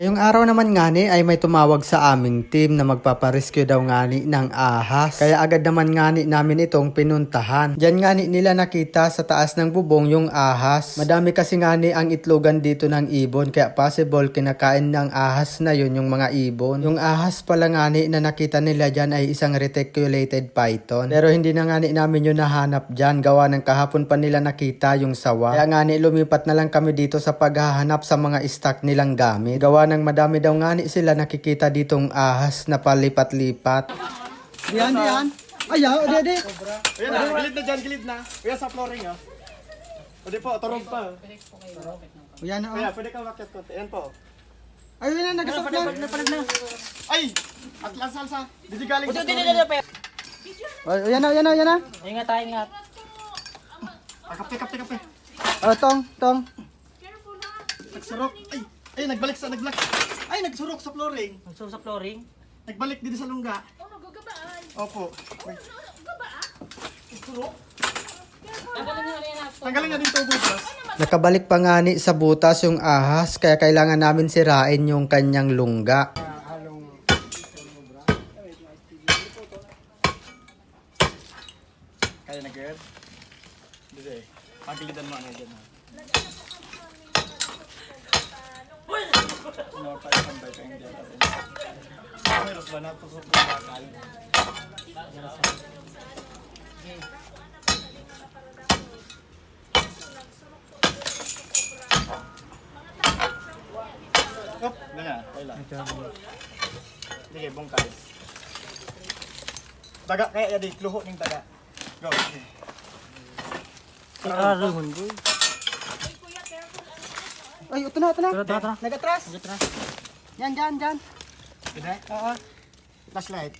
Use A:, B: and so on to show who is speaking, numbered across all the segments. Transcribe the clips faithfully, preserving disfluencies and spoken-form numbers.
A: Yung araw naman ngani ay may tumawag sa aming team na magpaparescue daw ngani ng ahas. Kaya agad naman ngani namin itong pinuntahan. Diyan ngani nila nakita sa taas ng bubong yung ahas. Madami kasi ngani ang itlogan dito ng ibon kaya possible kinakain ng ahas na yun yung mga ibon. Yung ahas pala ngani na nakita nila dyan ay isang reticulated python. Pero hindi na ngani namin yun nahanap dyan. Gawa ng kahapon pa nila nakita yung sawa. Kaya ngani lumipat na lang kami dito sa paghahanap sa mga stock nilang gamit. Gawa ng madami daw ngani sila nakikita ditong ahas na palipat-lipat.
B: Diyan, diyan. Ayaw, di, di.
C: Ayan na, gilid na dyan, gilid na. Kuya sa flooring ah. Pwede po, turog pa.
B: Yan na,
C: Kuya,
B: oh.
C: pwede kang makiat konti. Ayan po.
B: Ayun na, nagasok na.
C: Ay! Atlas salsa. Didi galing sa
B: Ay, yan na, yan na, yan na.
D: Ingat tayo, ingat.
C: Ah, kape, kape, kape.
B: Oh, tong, tong.
C: Nagsurok. Ay! Ay, nagbalik sa, nagbalik. Ay, nagsurok sa flooring.
D: Magsuso sa flooring.
C: Nagbalik dito sa lungga.
E: Oh, nagagabaan.
C: Opo. Wait.
E: Gabaan?
C: Nagsurok.
D: Tanggalin nyo na yan ako.
C: Tanggalin na dito, butas.
A: Nakabalik pa ngani sa butas yung ahas kaya kailangan namin sirain yung kanyang lungga.
C: Kaya na, girl? Didi. Pagilidan mo ano dyan ha. Ano pa yung pambay ka hindi natin. Meron ba na tusok ng bakal? Op, ganyan. Kailan? Sige, bungkay. Taga, kaya yadi, kluho ng taga. Go.
D: Araruhon ko.
B: Ay, ito na, ito na.
D: Tara, tara, tara.
B: Nagatras.
D: Ingat na.
B: Yan, dyan, dyan.
C: Pwede? Oo. Flashlight.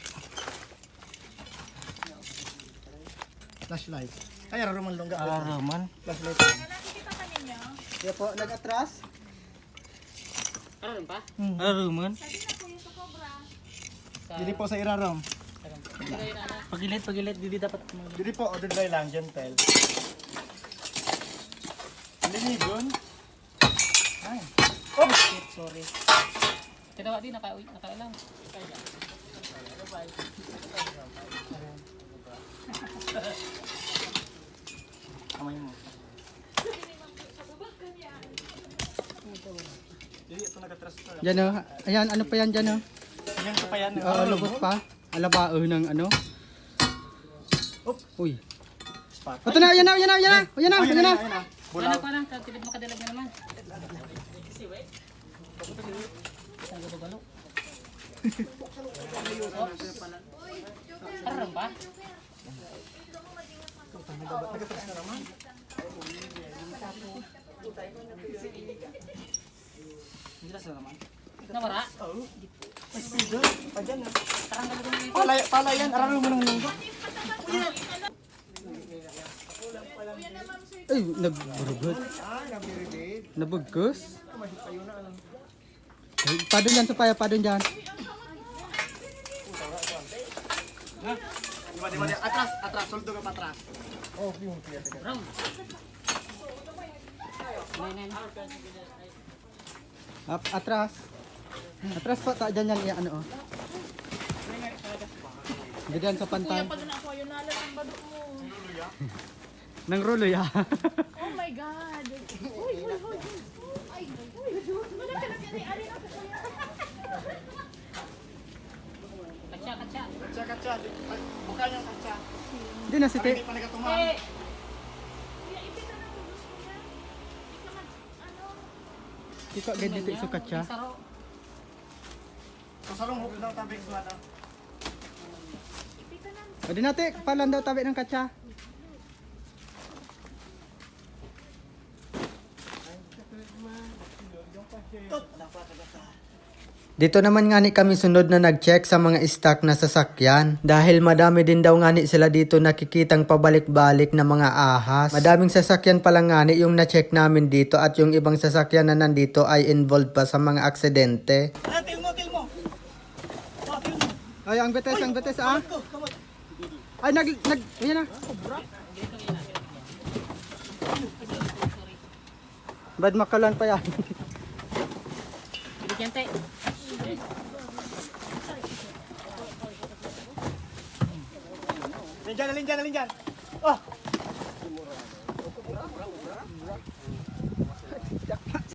C: Flashlight. Ay, araw man lungga.
D: Araruman.
C: Flashlight.
B: Yan po, nagatras.
D: Ararum pa? Araruman.
C: Dili po sa irarom.
D: Pagilid, pagilid. Didi dapat.
C: Dili po, order dry lang, gentle. Linigon. Ay.
D: Oh, shit, sorry. Tinawa din, naka nakailang.
C: Kamay mo. Dili, ito nag-atras to.
B: Yan, oh. Ayan, ano pa yan dyan, oh.
C: Yan pa pa yan.
B: Oo, lubot pa. Alabao ng ano.
C: Oop.
B: Uy.
C: Spot.
B: Ito na, yan na, yan na, yan na. Yan na,
C: Ay,
B: yan na.
C: ayun na.
D: Ano
C: Bulaw.
D: pa lang, tilid makadalag na naman. Isang galo-galo. Ararum pa?
C: Nag-atras na naman. Nag-atras na naman.
D: Nawara?
C: Oo. May speeder. Pa dyan na. Pala, pala yan. Araw mo ng lungga.
B: Ay, nagburugod. Nabugkos. Ay, padon dyan, supaya, padon dyan.
C: Diba, diba, diba. Atras, atras. Suldo ka pa atras.
D: Round. Nine, nine.
B: Up, atras. Atras pa, ta, dyan yan, ano, oh. Diyan sa pantay.
E: Pag na ako, yun nalang ang badok mo.
B: Nang rulo, ya.
E: Oh my God. Uy, uy, uy. Ay, uy. Wala ka na siya ni Ari ako.
D: Katsa, katsa.
C: Katsa, katsa. Buka niyang katsa.
B: Hindi na, si
C: Hindi
B: Te.
C: pa nagatuman.
E: Eh. Kuya, ipita na mo gusto niya. Ika man, ano.
B: Ikaw, ganda dito isukat siya.
D: Saro.
C: So, salong hukul ng tabing sa ano.
E: Ipita na mo.
B: O, di natin, palan daw tabi ng katsa.
A: Dito naman ngani kami sunod na nag-check sa mga stock na sasakyan. Dahil madami din daw ngani sila dito nakikitang pabalik-balik na mga ahas. Madaming sasakyan pala ngani yung na-check namin dito at yung ibang sasakyan na nandito ay involved pa sa mga aksidente.
C: Ah, til mo, til mo. Oh, til mo.
B: Ay, ang betes, ang betes, ah.
C: Go, come on.
B: Ay, nag, nag, ayan na. Bad makalan pa yan.
D: yan, te.
C: Alin dyan, alin dyan, alin dyan. Oh!